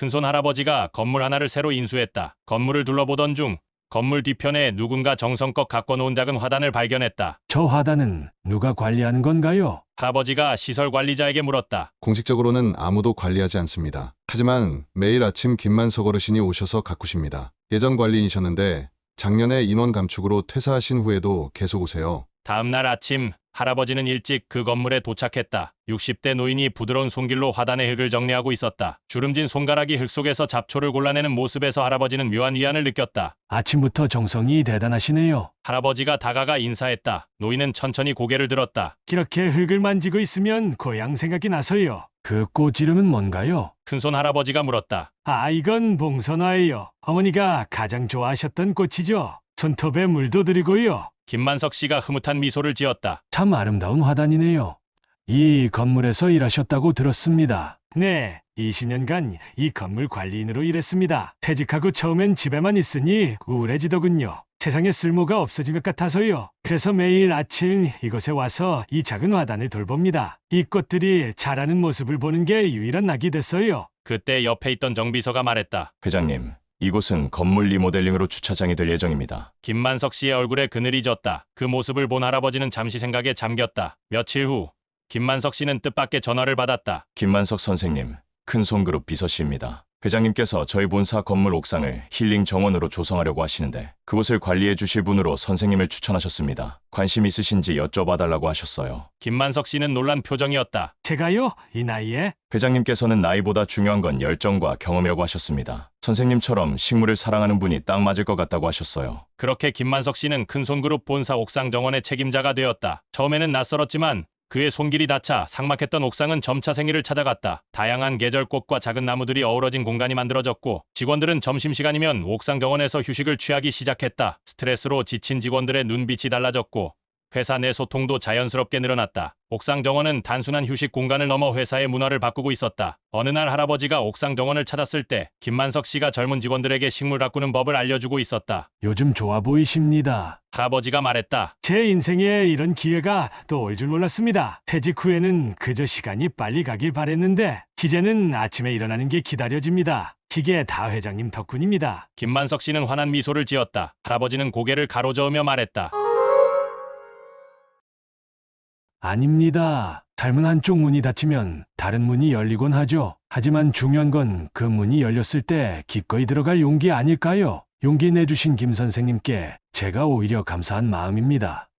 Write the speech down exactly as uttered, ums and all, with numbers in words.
큰손 할아버지가 건물 하나를 새로 인수했다. 건물을 둘러보던 중 건물 뒤편에 누군가 정성껏 갖고 놓은 작은 화단을 발견했다. 저 화단은 누가 관리하는 건가요? 할아버지가 시설 관리자에게 물었다. 공식적으로는 아무도 관리하지 않습니다. 하지만 매일 아침 김만석 어르신이 오셔서 가꾸십니다. 예전 관리인이셨는데 작년에 인원 감축으로 퇴사하신 후에도 계속 오세요. 다음 날 아침 할아버지는 일찍 그 건물에 도착했다. 육십 대 노인이 부드러운 손길로 화단의 흙을 정리하고 있었다. 주름진 손가락이 흙 속에서 잡초를 골라내는 모습에서 할아버지는 묘한 위안을 느꼈다. 아침부터 정성이 대단하시네요. 할아버지가 다가가 인사했다. 노인은 천천히 고개를 들었다. 그렇게 흙을 만지고 있으면 고향 생각이 나서요. 그 꽃 이름은 뭔가요? 큰손 할아버지가 물었다. 아, 이건 봉선화예요. 어머니가 가장 좋아하셨던 꽃이죠. 손톱에 물도 드리고요. 김만석 씨가 흐뭇한 미소를 지었다. 참 아름다운 화단이네요. 이 건물에서 일하셨다고 들었습니다. 네, 이십 년간 이 건물 관리인으로 일했습니다. 퇴직하고 처음엔 집에만 있으니 우울해지더군요. 세상에 쓸모가 없어진 것 같아서요. 그래서 매일 아침 이곳에 와서 이 작은 화단을 돌봅니다. 이 꽃들이 자라는 모습을 보는 게 유일한 낙이 됐어요. 그때 옆에 있던 정비서가 말했다. 회장님, 이곳은 건물 리모델링으로 주차장이 될 예정입니다. 김만석 씨의 얼굴에 그늘이 졌다. 그 모습을 본 할아버지는 잠시 생각에 잠겼다. 며칠 후 김만석 씨는 뜻밖의 전화를 받았다. 김만석 선생님, 큰손그룹 비서씨입니다. 회장님께서 저희 본사 건물 옥상을 힐링 정원으로 조성하려고 하시는데 그곳을 관리해 주실 분으로 선생님을 추천하셨습니다. 관심 있으신지 여쭤봐달라고 하셨어요. 김만석 씨는 놀란 표정이었다. 제가요? 이 나이에? 회장님께서는 나이보다 중요한 건 열정과 경험이라고 하셨습니다. 선생님처럼 식물을 사랑하는 분이 딱 맞을 것 같다고 하셨어요. 그렇게 김만석 씨는 큰손그룹 본사 옥상 정원의 책임자가 되었다. 처음에는 낯설었지만 그의 손길이 닿자 삭막했던 옥상은 점차 생기를 찾아갔다. 다양한 계절 꽃과 작은 나무들이 어우러진 공간이 만들어졌고 직원들은 점심시간이면 옥상 정원에서 휴식을 취하기 시작했다. 스트레스로 지친 직원들의 눈빛이 달라졌고 회사 내 소통도 자연스럽게 늘어났다. 옥상 정원은 단순한 휴식 공간을 넘어 회사의 문화를 바꾸고 있었다. 어느 날 할아버지가 옥상 정원을 찾았을 때 김만석 씨가 젊은 직원들에게 식물 가꾸는 법을 알려주고 있었다. 요즘 좋아 보이십니다. 할아버지가 말했다. 제 인생에 이런 기회가 또 올 줄 몰랐습니다. 퇴직 후에는 그저 시간이 빨리 가길 바랬는데 이제는 아침에 일어나는 게 기다려집니다. 이게 다 회장님 덕분입니다. 김만석 씨는 환한 미소를 지었다. 할아버지는 고개를 가로저으며 말했다. 아닙니다. 삶은 한쪽 문이 닫히면 다른 문이 열리곤 하죠. 하지만 중요한 건 그 문이 열렸을 때 기꺼이 들어갈 용기 아닐까요? 용기 내주신 김 선생님께 제가 오히려 감사한 마음입니다.